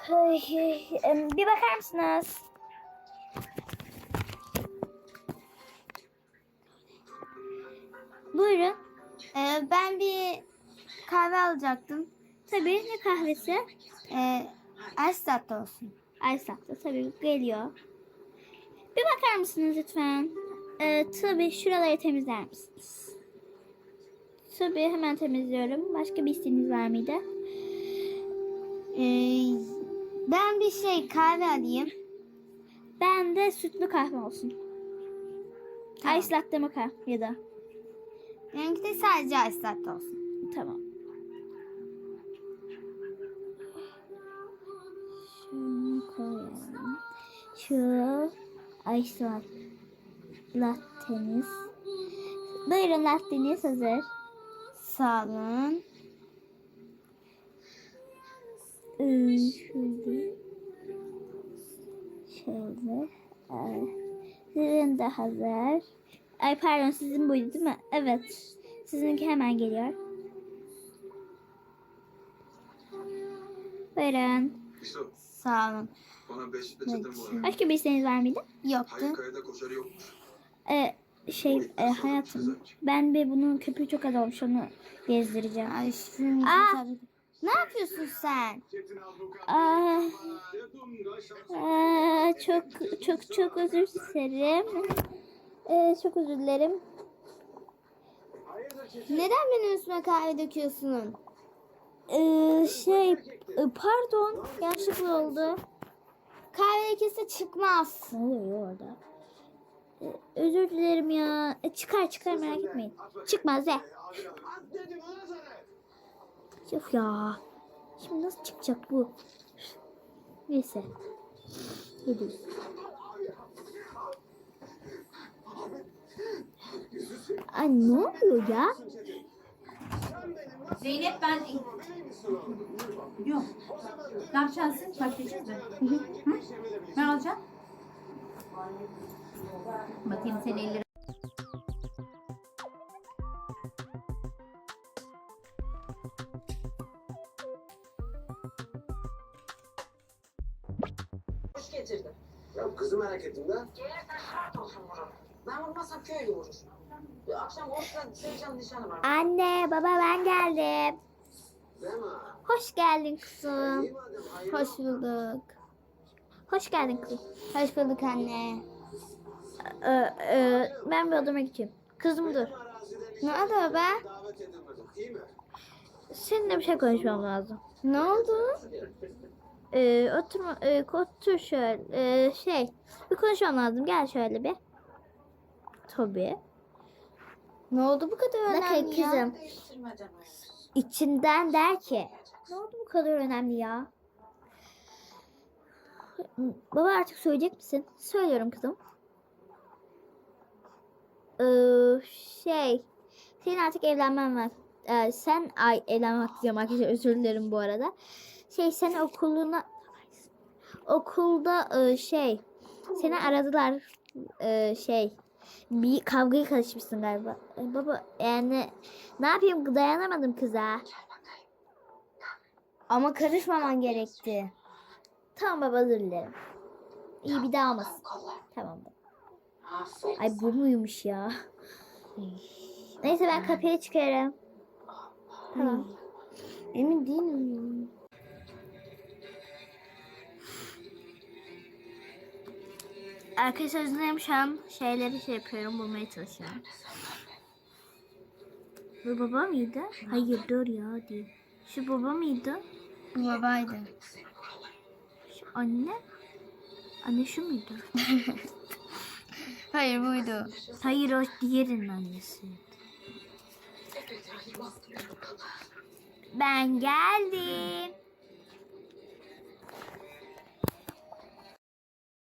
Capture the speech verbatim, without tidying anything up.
Ay, ay, em, bir bakar mısınız? Buyurun. Ee, ben bir kahve alacaktım. Tabii, ne kahvesi? Ee, ice latte olsun. Ice latte tabii geliyor. Bir bakar mısınız lütfen? Ee, tabii şuraları temizler misiniz? Tabii hemen temizliyorum. Başka bir isteğiniz var mıydı? Ee, ben bir şey kahve alayım. Ben de sütlü kahve olsun. Tamam. Ice latte mocha ya da. Benimki de sadece ice latte olsun. Tamam. Şunu koyalım. Şu ice latteniz. Buyurun, latteniz hazır. Sağ olun. Ee, şöyle. Şöyle. Ee, sizin de hazır. Ay pardon, sizin buydu değil mi? Evet. Sizinki hemen geliyor. Buyurun. İso, Sağ olun. bana beş peçete bu arada. Başka bir isteğiniz var mıydı? Yoktu. Hayır, kayada koşarı yokmuş. Ee, şey e, hayatım. Ben bir bunun köpüğü çok az olmuş, onu gezdireceğim. Ay şunun Aa! Ne yapıyorsun sen? Aa, aa, çok çok çok özür dilerim. Ee, çok özür dilerim. Neden benim üstüme kahve döküyorsun? Ee, şey e, pardon, yanlışlıkla oldu. Kahve lekesi çıkmaz. Ne oluyor orada? Ee, özür dilerim ya. E, çıkar çıkar, merak etmeyin. Çıkmaz de. Of ya. Şimdi nasıl çıkacak bu? Neyse. Gidiyoruz. Ay ne oluyor ya? Zeynep ben... Yok. Ne yapacaksın? Başlayacağız mı? Hı hı. Ben alacağım. Bakayım senin elleri. Hoş getirdin. Ya kızı merak ettim de. Gelirse şart olsun vurur. Ben vurmazsam köylü vurur. Bir akşam Oğuz'la Sevcan nişanı var. Anne, baba, ben geldim. Değil mi? Hoş geldin kızım. İyi madem, hayırlı Hoş bulduk. Hoş geldin kızım. Hoş bulduk anne. Ee, e, ben bir odama gideceğim. Kızım dur. arazide Ne oldu baba? davet edilmedim, değil mi? Seninle bir şey konuşmam lazım. Ne oldu? Ee, oturma, e, otur şöyle. Ee, şey, bir konuşmam lazım. Gel şöyle bir. Tabii. Ne oldu bu kadar Bakın önemli ya? kızım. Değiştirmeden olur. İçinden der ki. Ne oldu bu kadar önemli ya? Baba, artık söyleyecek misin? Söylüyorum kızım. Ee, şey. Senin artık evlenmen var. Ee, sen ay evlenmek diyorum arkadaşlar, özür dilerim bu arada. Şey, sen okuluna okulda e, şey seni aradılar, e, şey bir kavgaya karışmışsın galiba. E, baba yani ne yapayım, dayanamadım kıza. Ama karışmaman gerekti. Tamam baba, özür dilerim. İyi, bir daha olmasın. Tamam baba. Aferin. Ay bu muymuş ya? Neyse, ben kapıya çıkarım. Tamam. Emin değilim. Arkadaşlar, özür dilerim, şu an şeyleri şey yapıyorum, bulmaya çalışıyorum. Bu baba mıydı? Hayır, dur ya değil. Şu baba mıydı? Bu babaydı. Şu anne? Anne şu muydu? Hayır buydu. Hayır, o diğerinin annesi. Ben geldim.